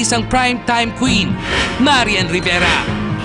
isang primetime queen, Marian Rivera.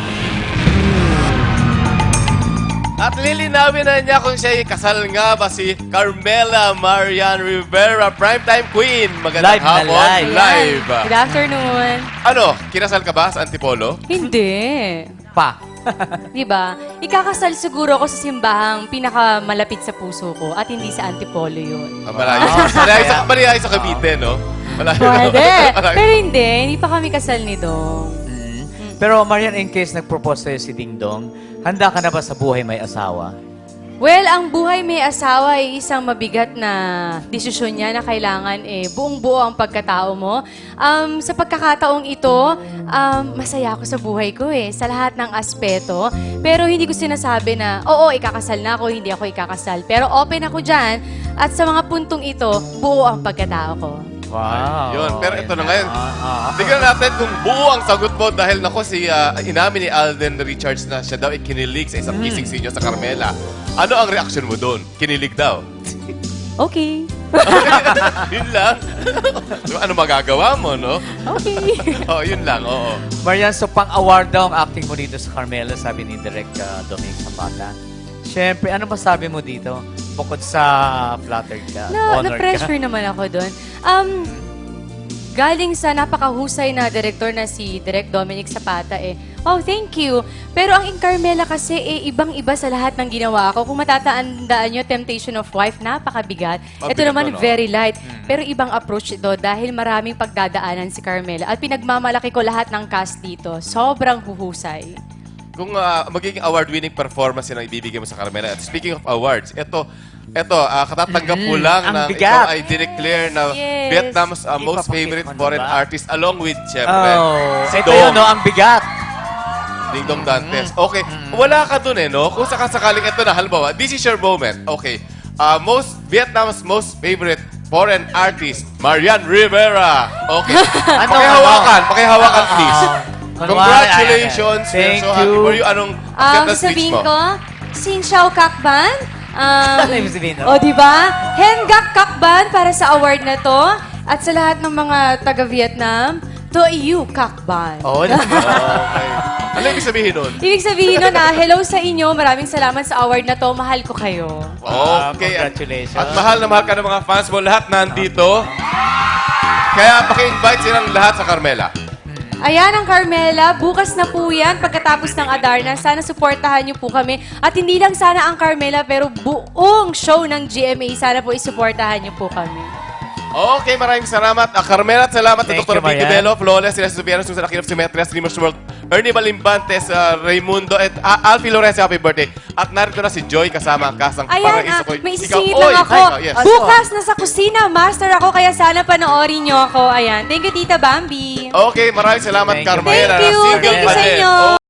At lilinawin na niya kung siya'y kasal nga ba si Carmela Marian Rivera, primetime queen. Magandang Live na hapon. live. Live. Good afternoon. Ano, kinasal ka ba sa Antipolo? Hindi. Pa. Di ba? Ikakasal siguro ako sa simbahang pinakamalapit sa puso ko at hindi sa Antipolo yun. Malayo sa Cavite, no? Malayo. Pwede. Malayo. Pero hindi pa kami kasal ni Dong. Pero Marian, in case nag-propose sa'yo si Ding Dong, handa ka na ba sa buhay may asawa? Well, ang buhay may asawa ay isang mabigat na desisyon niya na kailangan buong-buo ang pagkatao mo. Sa pagkakataong ito, masaya ako sa buhay ko sa lahat ng aspeto. Pero hindi ko sinasabi na, oo, ikakasal na ako, hindi ako ikakasal. Pero open ako dyan at sa mga puntong ito, buo ang pagkatao ko. Wow. Yun, pero ito na ngayon. Tignan natin kung buo ang sagot mo dahil nako inamin ni Alden Richards na siya daw ikinilig sa isang kissing scene niyo sa Carmela. Ano ang reaction mo doon? Kinilig daw. Okay. Yun lang. Ano magagawa mo, no? Okay. Oh, yun lang, oo. Marian, so pang-award daw ang acting mo dito sa Carmela, sabi ni Direk Dominic Zapata. Siyempre, ano masabi mo dito? Bukod sa flattered ka, honored ka. Na-pressure naman ako doon. Galing sa napakahusay na director na si Direk Dominic Zapata oh, thank you. Pero ang Carmela kasi ibang-iba sa lahat ng ginawa ko. Kung matatandaan nyo, Temptation of Wife, napakabigat. Ito Mabigat naman, ba, no? very light. Pero ibang approach ito dahil maraming pagdadaanan si Carmela. At pinagmamalaki ko lahat ng cast dito. Sobrang huhusay. Kung magiging award-winning performance yun ang ibibigay mo sa Carmela. At speaking of awards, ito katatanggap mo lang ang na bigat. ikaw ay dineclare na Yes. Vietnam's most Ipapakita favorite ko na foreign ba? artist along with, syempre, si Ito Dong. yun, no? Ang bigat. Ding Dong Dantes. Okay, wala ka dun no? Kung sakasakaling ito na, halimbawa, this is your moment. Okay, Vietnam's most favorite foreign artist, Marian Rivera. Okay, pakihawakan, please. Congratulations. Thank We're so happy you. for you. Anong acceptance speech Sabihin mo? ko, Sin Xiao Kakban. Ano ibig sabihin, no? O, diba? Hengak Kakban para sa award na to. At sa lahat ng mga taga-Vietnam, to you, Kakban. Oo, Okay. Ano ibig sabihin nun? Ibig sabihin nun hello sa inyo. Maraming salamat sa award na to. Mahal ko kayo. Okay. Congratulations. At mahal na mahal ka ng mga fans mo. Lahat nandito. Kaya paki-invite silang lahat sa Carmela. Ayan ang Carmela. Bukas na po yan pagkatapos ng Adarna. Sana suportahan niyo po kami. At hindi lang sana ang Carmela, pero buong show ng GMA. Sana po isuportahan niyo po kami. Okay, maraming salamat. Carmela at salamat Thank sa Dr. you, Vicky Marian. Bello, Flawless, Sila Subiano, Susan Aquino, Symmetria, Streamers World, Ernie Balimbantes, Raimundo, at Alfie Lorenzo, happy birthday. At narito na si Joy kasama ang kasang Ayan, Paraiso ko. may Ikaw, isisingit oy, lang ako. ikaw, yes. Bukas nasa kusina, master ako, kaya sana panoorin niyo ako. Ayan. Thank you, Tita Bambi. Okay, maraming salamat, Thank you. Carmela. Thank you. Single Thank you pa sa din. inyo.